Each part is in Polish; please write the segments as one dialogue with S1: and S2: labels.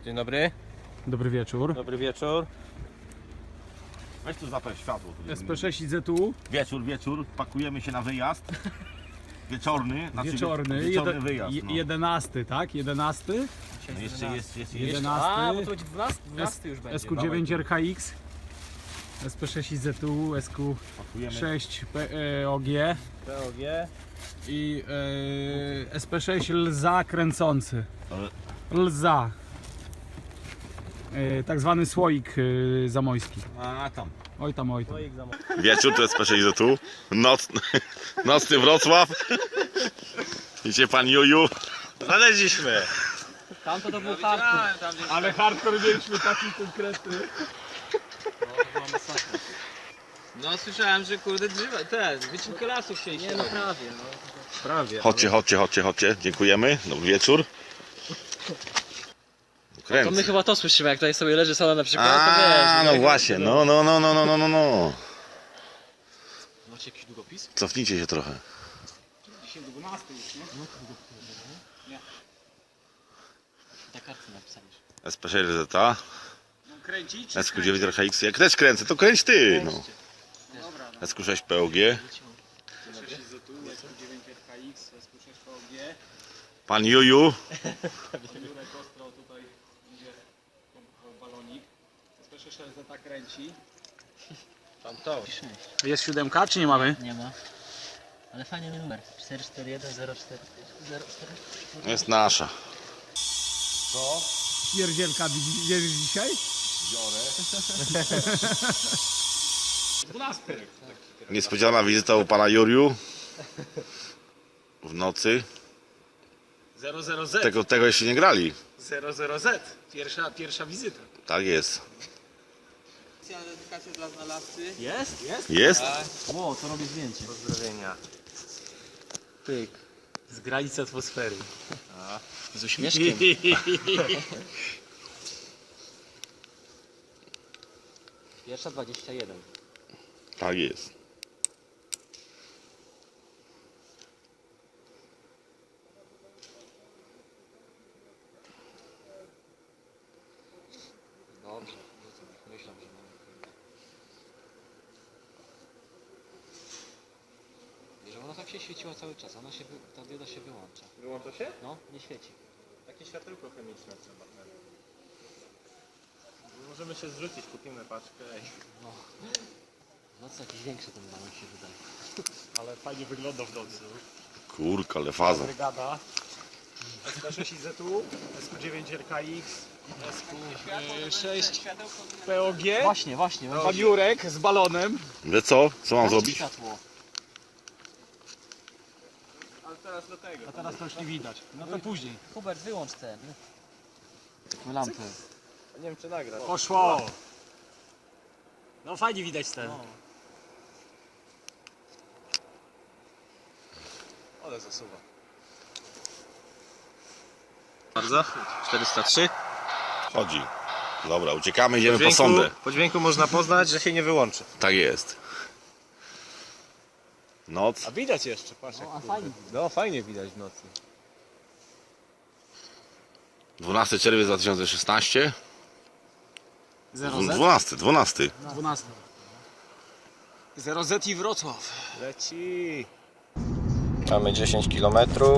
S1: Dzień dobry.
S2: Dobry wieczór.
S1: Dobry wieczór.
S3: Weź tu zapal światło.
S2: SP6 IZU.
S3: Wieczór, pakujemy się na wyjazd. Wieczorny, znaczy
S2: Wieczorny,
S3: wieczorny wyjazd. No.
S2: 11, tak? 11.
S3: No jeszcze jest.
S2: 11.
S1: A, bo to będzie 12 już będzie.
S2: SQ9 RHX. SP6 IZU,
S3: Pakujemy.
S2: SQ6 POG
S1: POG.
S2: i SP6 Lza kręcący.
S3: Ale-
S2: Lza. Tak zwany słoik zamojski.
S3: A tam.
S2: Oj tam, oj tam.
S3: Wieczór to jest P6 tu. Nocny Wrocław. Idzie pan Juju. Znaleźliśmy.
S1: Tam to był hardcore.
S2: Ale hardcore mieliśmy taki konkretny.
S1: No słyszałem, że kurde drzewa, wycinkę lasów chcieliście. Nie, no prawie, no. Prawie.
S3: Chodźcie. Dziękujemy. Dobry wieczór.
S1: To my chyba to słyszymy, jak tutaj sobie leży sola na przykład, to
S3: A,
S1: wiesz.
S3: no właśnie, no.
S1: Macie jakiś długopis?
S3: Cofnijcie się trochę.
S2: Dzisiaj 12 już, nie?
S1: Nie. Na kartce napisaniesz.
S3: SP6 ZA.
S2: No, kręcić?
S3: SQ9 RHX. Jak też kręcę, to kręć ty. No.
S2: Dobra, no.
S3: SQ6 POG.
S2: SP6 IZU, SQ9 RHX, SQ6 POG.
S3: Pan Juju.
S2: Jurek ostro tutaj idzie balonik. SP6 LZ kręci.
S1: Tam to.
S2: Jest 7 czy nie mamy?
S4: Nie ma. Ale fajny numer. 44104.
S3: Jest nasza.
S2: Pierdzielka bierzesz dzisiaj? 12.
S3: Niespodziana wizyta u pana Juriu. W nocy.
S2: 00Z.
S3: Tego jeszcze nie grali.
S2: 00Z. Pierwsza wizyta.
S3: Tak jest.
S1: Specjalna dedykacja dla znalazcy.
S2: Jest? Jest?
S3: Jest?
S4: Ło, to robię zdjęcie.
S1: Pozdrowienia.
S2: Pyk. Z granicy atmosfery.
S4: Z uśmieszkiem. Pierwsza 21.
S3: Tak jest.
S4: Dobrze. Myślałem, że mamy. Wiesz, ona tak się świeciła cały czas. Ta dioda się wyłącza.
S1: Wyłącza się?
S4: No, nie świeci.
S1: Takie światełko chemiczne trzeba. Możemy się zrzucić, kupimy paczkę.
S4: No co, jakiś większy ten balon się wydaje.
S2: Ale fajnie wygląda w nocy.
S3: Kurka, ale faza.
S2: Brygada. SP6 IZU, SQ9 RKX, SQ6 POG.
S4: Właśnie.
S2: Pan Jurek z balonem.
S3: Wie co? Co mam zrobić?
S4: Światło.
S1: Ale teraz do tego.
S2: A teraz to już nie widać. No to później.
S4: Hubert, wyłącz te lampy.
S1: Nie wiem czy nagra.
S2: Poszło. No fajnie widać ten.
S4: No.
S1: Ale zasuwa. Bardzo. 403.
S3: Chodzi. Dobra, uciekamy, idziemy po sondę.
S1: Po dźwięku można poznać, że się nie wyłączy.
S3: Tak jest. Noc.
S1: A widać jeszcze, patrz.
S4: No, a fajnie.
S1: No fajnie widać w nocy.
S3: 12 czerwiec 2016.
S2: 0Z?
S3: 12.
S2: 12. 0Z i Wrocław.
S1: Leci. Mamy 10 km.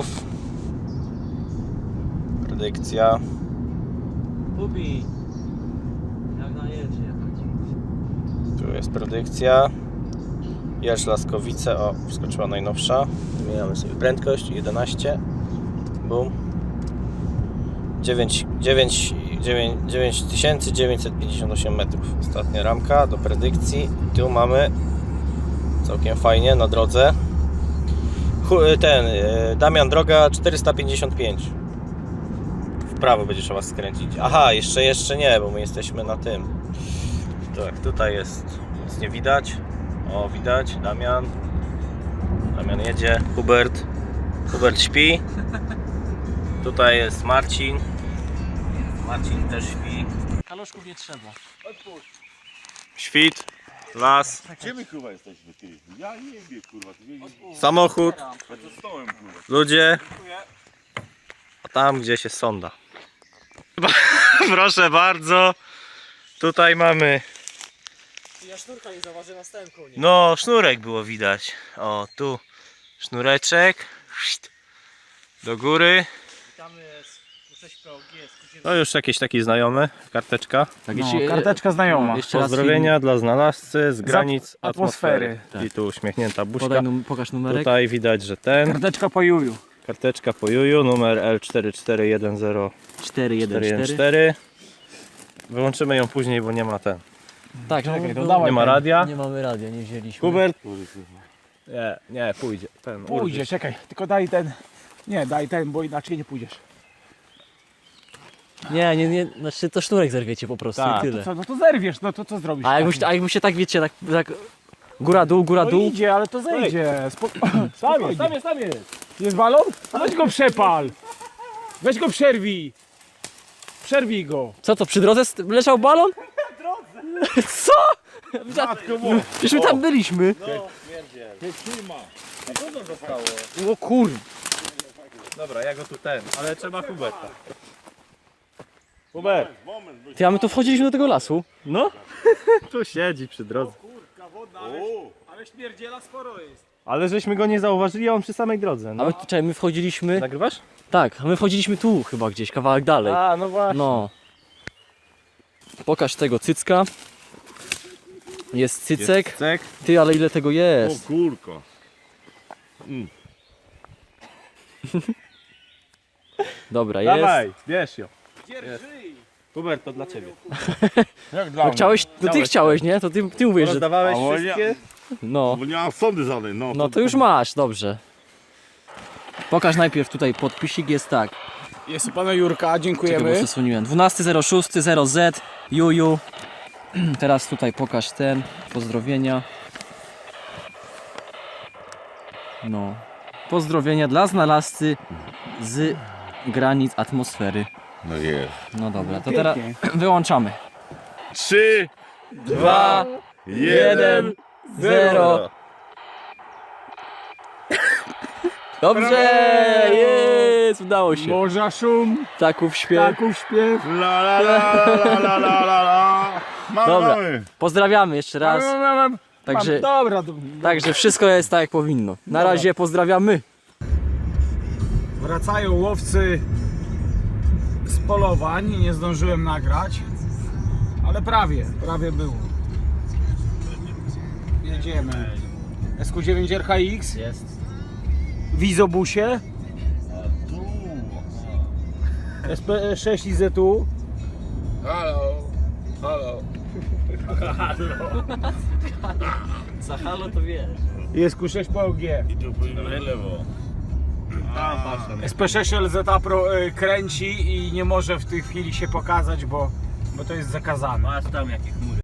S1: Predykcja.
S4: Hubi. Jak na jedzie jechać.
S1: Tu jest predykcja. Jerz Laskowice, o, wskoczyła najnowsza. Zmieniamy sobie prędkość, 11. Bum. 9958 metrów. Ostatnia ramka do predykcji. Tu mamy całkiem fajnie na drodze. Damian, droga 455. W prawo będzie trzeba skręcić. Aha, jeszcze nie, bo my jesteśmy na tym. Tak, tutaj jest, nic nie widać. O, widać, Damian jedzie, Hubert śpi. Tutaj jest Marcin też śpi.
S4: Kaloszków nie trzeba.
S1: Świt, las,
S3: Gdzie my kurwa jesteśmy, ty? Ja nie wiem, kurwa.
S1: samochód,
S3: Stołem, kurwa.
S1: ludzie, a tam gdzieś jest sonda. Proszę bardzo. Tutaj mamy.
S2: Ja sznurka nie zauważy na stałym konie.
S1: No, sznurek było widać. O, tu sznureczek. Do góry.
S2: Witamy z 6 POG,
S1: No już jakieś takie znajome. Karteczka.
S2: Tak,
S5: No, karteczka znajoma.
S2: jeszcze raz
S1: Pozdrowienia dla znalazcy z granic
S5: atmosfery.
S1: atmosfery. I tu uśmiechnięta buźka.
S2: pokaż numerek.
S1: Tutaj widać, że ten.
S5: Karteczka po juju.
S1: Karteczka po juju, numer L4410414.
S2: 414.
S1: Wyłączymy ją później, bo nie ma ten.
S2: Tak,
S5: Czekaj,
S2: no,
S5: to dawaj
S1: Nie ma
S5: ten.
S1: radia.
S2: Nie mamy radia, nie wzięliśmy.
S1: Hubert. Nie, pójdzie. Ten
S5: Pójdzie, czekaj, tylko daj ten. Nie, daj ten, bo inaczej nie pójdziesz.
S2: Nie, znaczy to sznurek zerwiecie po prostu
S1: Tak.
S2: i tyle.
S5: Co, no to zerwiesz, no to co zrobisz?
S2: A jakby się tak wiecie, tak góra dół,
S5: No idzie, ale to zejdzie. Sam jest. Jest balon? A weź go przepal. Weź go przerwij. Przerwij go.
S2: Co to, przy drodze leżał balon? Co? Przecież my tam byliśmy.
S5: O kur...
S1: Dobra, ja go tu ale trzeba Huberta. Hubert.
S2: Ty, a my tu wchodziliśmy do tego lasu.
S1: No. Tu siedzi przy drodze.
S5: Ale śmierdziela sporo jest.
S1: Ale żeśmy go nie zauważyli, a on przy samej drodze.
S2: A
S1: No.
S2: my, czekaj, my wchodziliśmy...
S1: Nagrywasz?
S2: Tak, a my wchodziliśmy tu chyba gdzieś, kawałek dalej.
S1: A, no właśnie.
S2: No. Pokaż tego cycka. Jest cycek.
S1: Cek.
S2: Ty, ale ile tego jest?
S3: kurko.
S2: Dobra, jest.
S1: Dawaj, bierz ją.
S5: Dzierżyj.
S1: Hubert, to dla ciebie.
S3: Jak dla
S2: No chciałeś, no ty chciałeś, nie? To ty mówisz, że...
S1: Rozdawałeś
S3: A, bo
S1: wszystkie?
S2: No.
S3: Bo nie mam sądy żadnej, no.
S2: No to już masz, dobrze. Pokaż najpierw tutaj podpisik, jest tak.
S5: Jest u pana Jurka,
S2: Czekaj, bo
S5: dziękujemy.
S2: przesuniłem. 12.06.0Z, Juju. Teraz tutaj pokaż ten, pozdrowienia. No. Pozdrowienia dla znalazcy z granic atmosfery.
S3: No jest.
S2: No dobra, to teraz
S5: Pięknie.
S2: wyłączamy.
S3: 3,
S2: 2, 1, 0. Dobrze, jest, udało się.
S5: Morza szum,
S2: Ptaków śpiew.
S5: ptaków śpiew.
S3: La la la la la la la la.
S2: Dobra.
S3: Mamy.
S2: Pozdrawiamy jeszcze raz. Także,
S5: Dobra,
S2: także wszystko jest tak jak powinno. Na razie pozdrawiamy.
S5: wracają łowcy z polowań. Nie zdążyłem nagrać, ale prawie było. Jedziemy. SQ9 RHX
S2: Jest.
S5: w izobusie. SP6 IZU. Halo.
S2: Za halo to wiesz.
S5: Jest Q6 POG.
S3: I tu pójdziemy w lewo.
S5: SP6 LZ Pro kręci i nie może w tej chwili się pokazać, bo to jest zakazane.
S2: Masz tam jakie chmury.